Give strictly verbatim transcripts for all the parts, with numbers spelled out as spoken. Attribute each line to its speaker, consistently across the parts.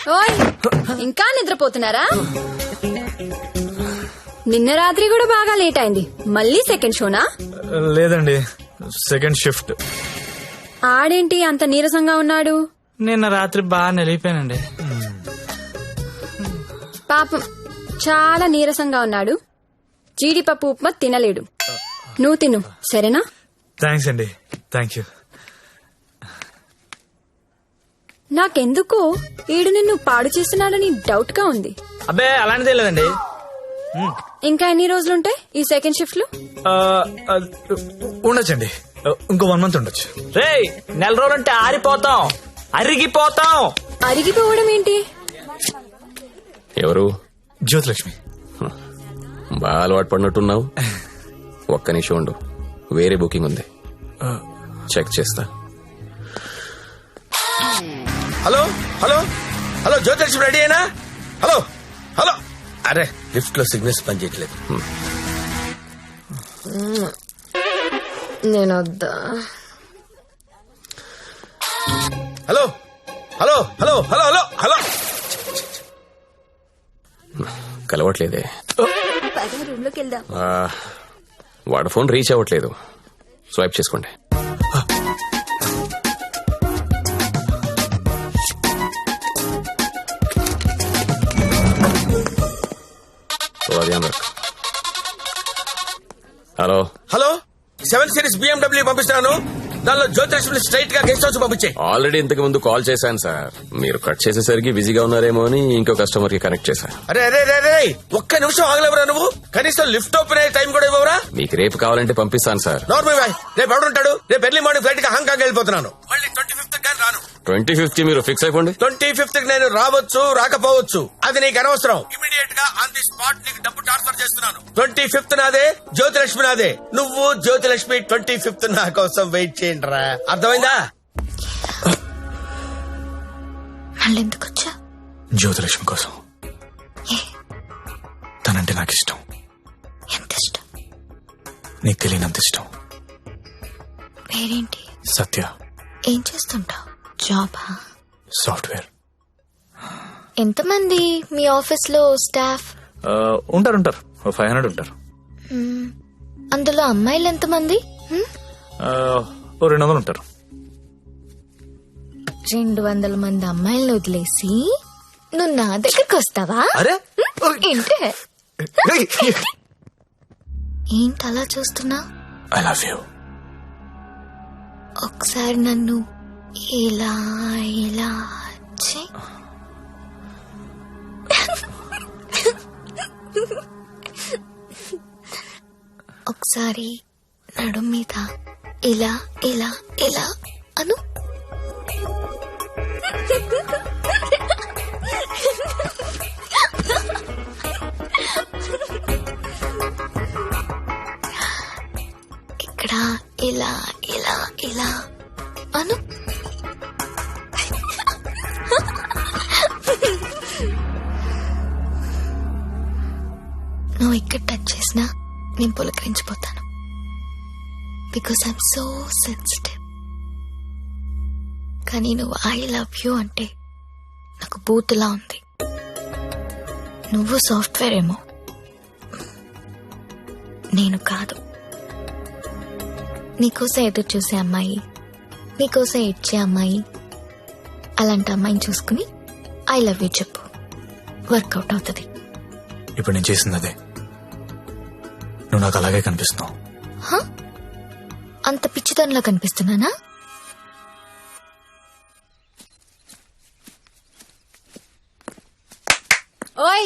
Speaker 1: ఓయ్ ఇంకా నిద్రపోతున్నారా? నిన్న రాత్రి కూడా బాగా లేట్ అయింది. మళ్ళీ సెకండ్ షోనా?
Speaker 2: లేదండి, సెకండ్ షిఫ్ట్.
Speaker 1: ఆడేంటి అంత నీరసంగా ఉన్నాడు?
Speaker 2: నిన్న రాత్రి బాగా నిలిపోయానండి.
Speaker 1: పాపం చాలా నీరసంగా ఉన్నాడు. జీడిపప్పు ఉప్మా తినలేడు. నువ్వు తిను సరేనా?
Speaker 2: థ్యాంక్స్ అండి. Thank you.
Speaker 1: నాకెందుకో ఈడు నిన్ను పాడు చేస్తున్నాడని డౌట్ గా ఉంది.
Speaker 2: అబ్బే అలాంటిదే లేదండి.
Speaker 1: ఇంకా ఎన్ని రోజులుంటాయి ఈ సెకండ్ షిఫ్ట్ లో?
Speaker 2: ఉండొచ్చండి, ఇంకో వన్ మంత్ ఉండొచ్చు.
Speaker 3: రే నెల రోజులంటే ఆరిపోతాం, అరిగిపోతాం.
Speaker 1: అరిగిపోవడం ఏంటి?
Speaker 4: ఎవరు?
Speaker 2: జ్యోతిలక్ష్మి.
Speaker 4: బాగా అలవాటు పడినట్టున్నావు. ఒక్క నిమిషం ఉండు, వేరే బుకింగ్ ఉంది, చెక్ చేస్తా.
Speaker 5: Hello hello hello Jyothilakshmi ready అయినా? Hello hello. అరే లిఫ్ట్ లో సిగ్నల్స్ పనిచేయట్లేదు.
Speaker 1: నేను వద్దా?
Speaker 5: Hello hello hello hello hello hello.
Speaker 4: కలవట్లేదే.
Speaker 1: రూమ్ లోకి వెళ్దాం.
Speaker 4: ఆ, వాడు ఫోన్ రీచ్ అవ్వట్లేదు. స్వైప్ చేసుకోండి. Hello
Speaker 5: hello seven series BMW పంపిస్తున్నాను. దానిలో జ్యోతిలక్ష్మి స్ట్రైట్ గా గెస్ట్ హౌస్ పంపించే.
Speaker 4: ఆల్రెడీ ఇంతకు ముందు కాల్ చేశాను సార్. మీరు కట్ చేసేసరికి బిజీగా ఉన్నారేమో అని ఇంకో కస్టమర్ కి కనెక్ట్ చేశాను.
Speaker 5: అరే అరే అరే అరే ఒక్క నిమిషం ఆగలేవరా నువ్వు? కనీసం లిఫ్ట్ ఓపెన్ అయ్యే టైం కూడా ఇవ్వరా?
Speaker 4: మీకు రేపు కావాలంటే పంపిస్తాను సార్.
Speaker 5: నార్మల్ బాయ్, రేపు ఎవడుంటాడు? రేపు ఎర్లీ మార్నింగ్ ఫ్లైట్ గా హాంకాంగ్ వెళ్ళిపోతున్నాను. మళ్ళీ ట్వంటీ ఫిఫ్త్ కానీ రాను.
Speaker 4: ట్వంటీ ఫిఫ్త్ మీరు ఫిక్స్ అయిపోండి.
Speaker 5: ట్వంటీ ఫిఫ్త్ కి నేను రావచ్చు రాకపోవచ్చు, అది నీకు అనవసరం. ఇమీడియట్ గా ఆన్ ది స్పాట్ నీకు డబ్బు ట్రాన్స్ఫర్ చేస్తున్నాను. ట్వంటీ ఫిఫ్త్ నాదే, జ్యోతిలక్ష్మి నాదే. నువ్వు జ్యోతిలక్ష్మి ట్వంటీ ఫిఫ్త్ నా కోసం వెయిట్ చేయండి రా. అర్థమైందా?
Speaker 1: మళ్ళీ ఎందుకు వచ్చా?
Speaker 2: జ్యోతిలక్ష్మి కోసం. తనంటే నాకు ఇష్టం.
Speaker 1: ఎంత ఇష్టం?
Speaker 2: నీకు తెలియనంత ఇష్టం.
Speaker 1: పేరేంటి?
Speaker 2: సత్య.
Speaker 1: ఏం చేస్తుంటావు? జాబా?
Speaker 2: సాఫ్ట్వేర్.
Speaker 1: ఎంతమంది మీ ఆఫీస్ లో స్టాఫ్?
Speaker 2: ఉంటారు ఉంటారు ఫైవ్ హండ్రెడ్ ఉంటారు.
Speaker 1: అందులో అమ్మాయిలు ఎంతమంది?
Speaker 2: ఓ రెండు వందలు ఉంటారు.
Speaker 1: రెండు వందల మంది అమ్మాయిలను వదిలేసి నువ్వు నా దగ్గరకు వస్తావా?
Speaker 2: అరే
Speaker 1: ఏంటి ఏంటి అలా చూస్తున్నా?
Speaker 2: I love you.
Speaker 1: ఒకసారి నన్ను ఇలా ఇలా చెయ్. ఒకసారి నడు మీద ఇలా ఇలా ఇలా అను. ఇక్కడ ఇలా ఇలా ఇలా అను. నువ్వు ఇక్కడ టచ్ చేసినా నేను పులకరించిపోతాను. Because I'm so sensitive. కానీ నువ్వు ఐ లవ్ యూ అంటే నాకు బూతులా ఉంది. నువ్వు సాఫ్ట్వేర్ ఏమో, నేను కాదు. నీకోసం ఎదురు చూసే అమ్మాయి, నీకోసం ఇచ్చే అమ్మాయి, అలాంటి అమ్మాయిని చూసుకుని ఐ లవ్ యూ చెప్పు, వర్కౌట్ అవుతుంది.
Speaker 2: ఇప్పుడు నేను చేసింది అదే. నువ్వు నాకు అలాగే కనిపిస్తున్నావు.
Speaker 1: అంత పిచ్చితనంలో కనిపిస్తున్నానా? ఓయ్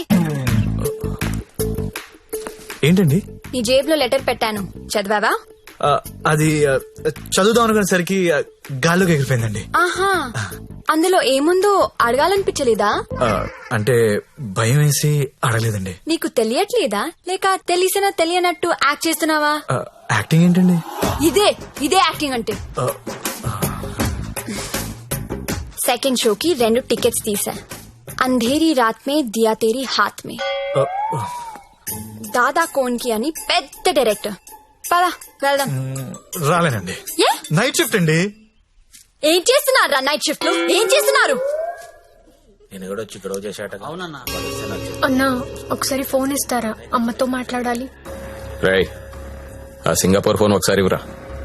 Speaker 2: ఏంటండి?
Speaker 1: నీ జేబులో లెటర్ పెట్టాను, చదివావా?
Speaker 2: అది చదువుదాం అనుకునేసరికి గాల్లోకి ఎగిరిపోయిందండి.
Speaker 1: ఆహా, అందులో ఏముందో అడగాలనిపించలేదా?
Speaker 2: అంటే భయం వేసి అడగలేదండి.
Speaker 1: నీకు తెలియట్లేదా లేక తెలిసినా తెలియనట్టు యాక్ట్ చేస్తున్నావా?
Speaker 2: యాక్టింగ్ ఏంటండి?
Speaker 1: ఇదే ఇదే యాక్టింగ్ అంటే. సెకండ్ షోకి రెండు టికెట్స్ తీసా. అంధేరీ రాత్ మే దియా తేరీ హాత్ మే. దాదా కోన్కి అని పెద్ద డైరెక్టర్. పదా వెళ్దాం.
Speaker 2: రాలేనండి, నైట్ షిఫ్ట్ అండి.
Speaker 1: ఏం చేస్తున్నారు నైట్ షిఫ్ట్ లో? ఏం చేస్తున్నారు?
Speaker 5: నేను కూడా వచ్చి గొడవ చేశాట. అవునన్నా.
Speaker 6: అన్నా ఒకసారి ఫోన్ ఇస్తారా, అమ్మతో మాట్లాడాలి.
Speaker 4: రేయ్ ఆ సింగపూర్ ఫోన్ ఒకసారి ఇవ్వరా.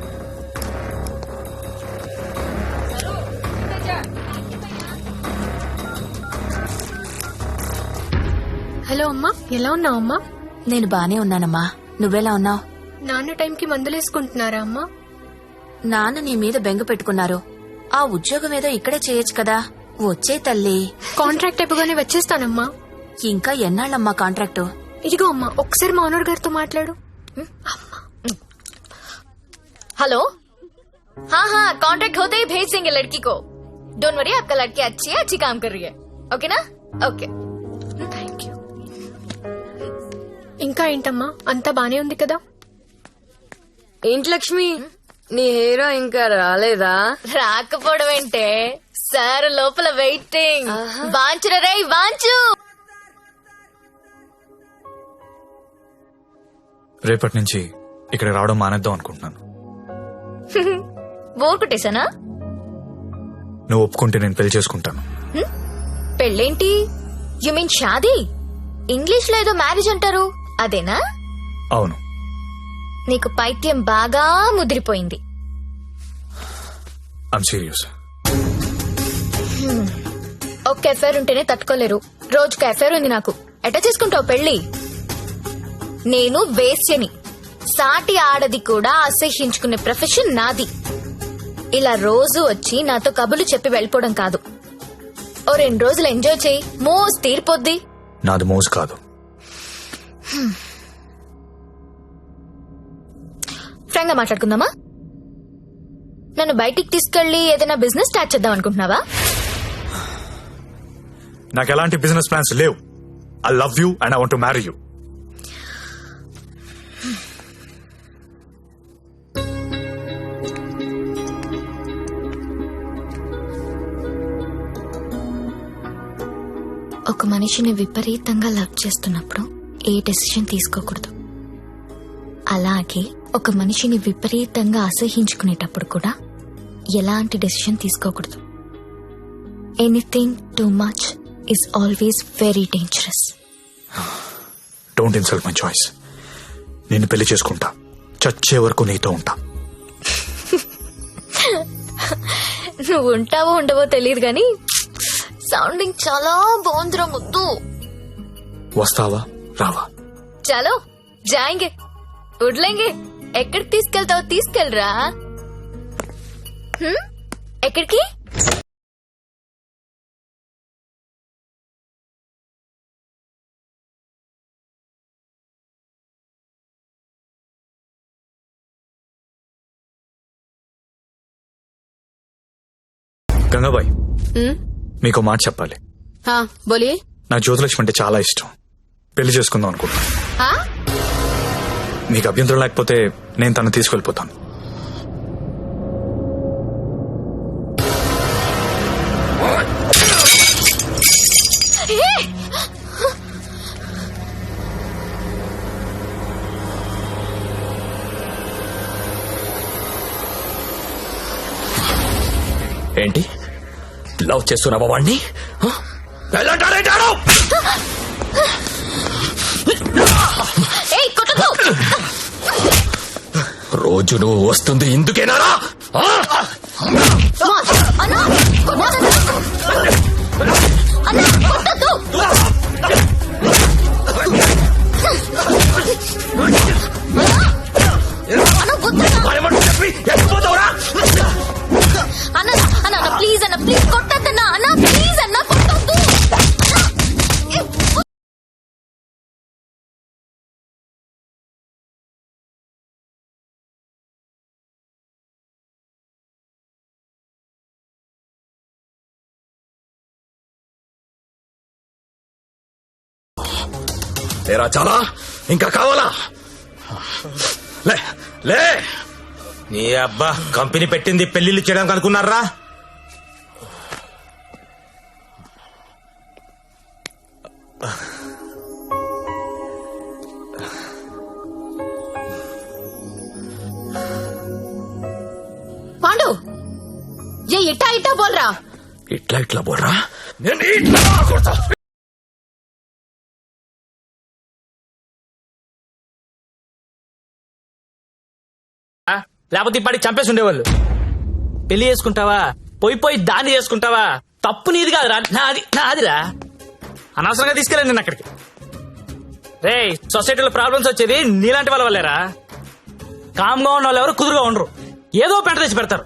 Speaker 6: హలో అమ్మా, ఎలా ఉన్నావు అమ్మా?
Speaker 7: నేను బానే ఉన్నానమ్మా, నువ్వెలా ఉన్నావు?
Speaker 6: నాన్న టైంకి మందులేసుకుంటున్నారా అమ్మా?
Speaker 7: నాన్న నీ మీద బెంగ పెట్టుకున్నారు. ఆ ఉద్యోగం ఏదో ఇక్కడే చేయొచ్చు కదా. వచ్చే తల్లి.
Speaker 6: కాంట్రాక్ట్ అయిపోగానే వచ్చేస్తానమ్మా.
Speaker 7: ఇంకా ఎన్నాళ్ళమ్మా కాంట్రాక్టు?
Speaker 6: ఇదిగో అమ్మా, ఒకసారి మా ఓనర్ గారితో మాట్లాడు.
Speaker 1: हेलो हाँ हाँ कॉन्ट्रैक्ट होते ही भेज देंगे लड़की को. डोंट वरी, आपका लड़की अच्छी है, अच्छी काम कर रही है. ओके ना? ओके.
Speaker 6: Thank you. ఇంకా ఏంటమ్మా, అంతా బానే ఉంది కదా?
Speaker 8: ఏంటి లక్ష్మి, నీ హీరో ఇంకా రాలేదా?
Speaker 1: రాకపోవడం ఏంటే సార్, లోపల వెయిటింగ్. వాంచురా రే వాంచు.
Speaker 2: రేపటి నుంచి ఇక్కడ రావడం మానేద్దాం అనుకుంటున్నాను.
Speaker 1: బోర్ కొట్టేశానా?
Speaker 2: నువ్వు ఒప్పుకుంటే నేను పెళ్లి చేసుకుంటాను.
Speaker 1: పెళ్ళేంటి? యు మీన్ షాదీ? ఇంగ్లీష్ లో ఏదో మ్యారేజ్ అంటారు, అదేనా?
Speaker 2: అవును.
Speaker 1: నీకు పైత్యం బాగా ముదిరిపోయింది.
Speaker 2: I'm serious.
Speaker 1: ఒక్క ఎఫైర్ ఉంటేనే తట్టుకోలేరు, రోజుకు ఎఫైర్ ఉంది నాకు. ఎట్టా చేసుకుంటావు పెళ్లి? నేను వేశ్యని, సాటి ఆడది కూడా అసహ్యించుకునే ప్రొఫెషన్ నాది. ఇలా రోజు వచ్చి నాతో కబులు చెప్పి వెళ్ళిపోవడం కాదు. ఓ రెండు రోజులు ఎంజాయ్ చేయి, మోజ్ తీరిపోద్ది.
Speaker 2: నాది మోజు కాదు.
Speaker 1: ఫ్రాంక్ గా మాట్లాడుకుందామా? నన్ను బయటికి తీసుకెళ్లి ఏదైనా బిజినెస్ స్టార్ట్ చేద్దాం అనుకుంటున్నావా?
Speaker 2: నాకు ఎలాంటి బిజినెస్ ప్లాన్స్ లేవు. I love you and I want to marry you.
Speaker 1: ఒక మనిషిని విపరీతంగా లవ్ చేస్తున్నప్పుడు ఏ డెసిషన్ తీసుకోకూడదు. అలాగే ఒక మనిషిని విపరీతంగా అసహించుకునేటప్పుడు కూడా ఎలాంటి డెసిషన్ తీసుకోకూడదు. Anything too much is always very dangerous.
Speaker 2: Don't insult my choice. నేను పెళ్లి చేసుకుంటా, చచ్చే వరకు నీతో ఉంటా.
Speaker 1: నువ్వు ఉంటావో ఉండవో తెలియదు గాని సౌండింగ్ చాలా బాగుందిరా ముద్దు.
Speaker 2: వస్తావా రావా?
Speaker 1: చలో జాయింగే, వడ్లేంగే. ఎక్కడికి తీసుకెళ్తావో తీసుకెళ్ళరా. హ్మ్? ఎక్కడికి?
Speaker 2: గంగాబాయ్, మీకు మాట చెప్పాలి.
Speaker 8: బోలియే.
Speaker 2: నాకు జ్యోతిలక్ష్మి అంటే చాలా ఇష్టం. పెళ్లి చేసుకుందాం అనుకుంటా. మీకు అభ్యంతరం లేకపోతే నేను తను తీసుకెళ్లిపోతాను.
Speaker 4: ఏంటి లవ్ చేస్తున్నావా వాణ్ణి? రోజు నువ్వు వస్తుంది ఇందుకేనారా?
Speaker 1: అన్న అన్న ప్లీజ్ అన్న ప్లీజ్ కొట్టద్దన్నా అన్న ప్లీజ్ అన్న కొట్టద్దు.
Speaker 4: లేరా చాలా? ఇంకా కావాలా? లే లే.
Speaker 5: నీ అబ్బా కంపెనీ పెట్టింది పెళ్లిళ్ళు చేయడానికి అనుకున్నారా?
Speaker 1: పాండు, ఏ ఇట్టా ఇట్టా బోల్రా.
Speaker 4: ఇట్లా ఇట్లా బోల్రా.
Speaker 2: నేను ఇట్లా కొడతా.
Speaker 3: లేకపోతే ఇప్పటికి చంపేసి ఉండేవాళ్ళు. పెళ్లి చేసుకుంటావా, పోయి పోయి దాన్ని చేసుకుంటావా? తప్పు నీది కాదురా, నాది నాదిరా. అనవసరంగా తీసుకెళ్ళండి నేను అక్కడికి. రే, సొసైటీలో ప్రాబ్లమ్స్ వచ్చేది నీలాంటి వాళ్ళ వల్లేరా. కామ్గా ఉన్న వాళ్ళు ఎవరు కుదురుగా ఉండరు, ఏదో పెంట తెచ్చి పెడతారు.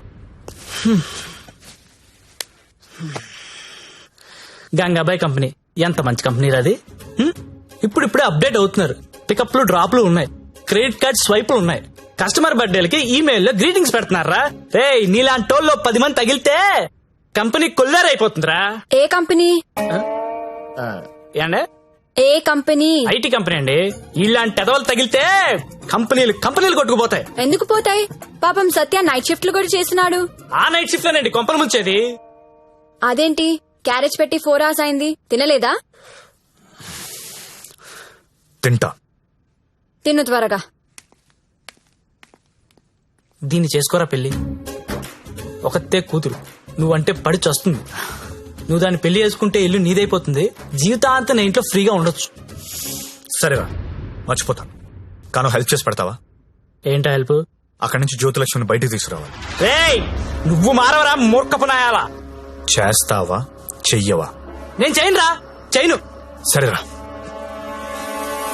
Speaker 3: గంగాబాయ్ కంపెనీ ఎంత మంచి కంపెనీ అది. హ్మ్? ఇప్పుడు ఇప్పుడే అప్డేట్ అవుతున్నారు. పికప్లు డ్రాప్లు ఉన్నాయి, క్రెడిట్ కార్డ్ స్వైపులు ఉన్నాయి. కస్టమర్ బర్త్డేలకి ఈమెయిల్లో గ్రీటింగ్స్ పెడుతున్నారా. రే, నీలాంటి టోల్లో పది మంది తగిలితే కంపెనీ కొల్లారైపోతుందిరా.
Speaker 6: ఏ కంపెనీ?
Speaker 3: ఏండే?
Speaker 6: ఏ కంపెనీ?
Speaker 3: ఐటీ కంపెనీ అండి. ఇలాంటి ఎదవలు తగిలితే కంపెనీలు కంపెనీలు కొట్టుకుపోతాయి.
Speaker 6: ఎందుకు పోతాయి? పాపం సత్య నైట్ షిఫ్ట్లు కూడా చేసినాడు.
Speaker 3: ఆ నైట్ షిఫ్ట్ లోనండి కొంపలు ముంచేది.
Speaker 6: అదేంటి క్యారేజ్ పెట్టి ఫోర్ అవర్స్ అయింది, తినలేదా?
Speaker 2: తింటా.
Speaker 6: తిను త్వరగా.
Speaker 3: దీన్ని చేసుకోరా పెళ్లి. ఒకతే కూతురు, నువ్వంటే పడి చస్తుంది. నువ్వు దాన్ని పెళ్లి చేసుకుంటే ఇల్లు నీదైపోతుంది. జీవితాంతం నా ఇంట్లో ఫ్రీగా ఉండొచ్చు.
Speaker 2: సరేరా, మర్చిపోతాను. కాను హెల్ప్ చేసి పెడతావా?
Speaker 3: ఏంటా హెల్ప్?
Speaker 2: అక్కడి నుంచి జ్యోతిలక్ష్మిని బయటికి తీసుకురావాలి.
Speaker 3: రేయ్, నువ్వు మారవరా మూర్ఖపు నాయాలా.
Speaker 2: చేస్తావా చెయ్యవా?
Speaker 3: నేను చేయనురా, చేయను.
Speaker 2: సరేరా.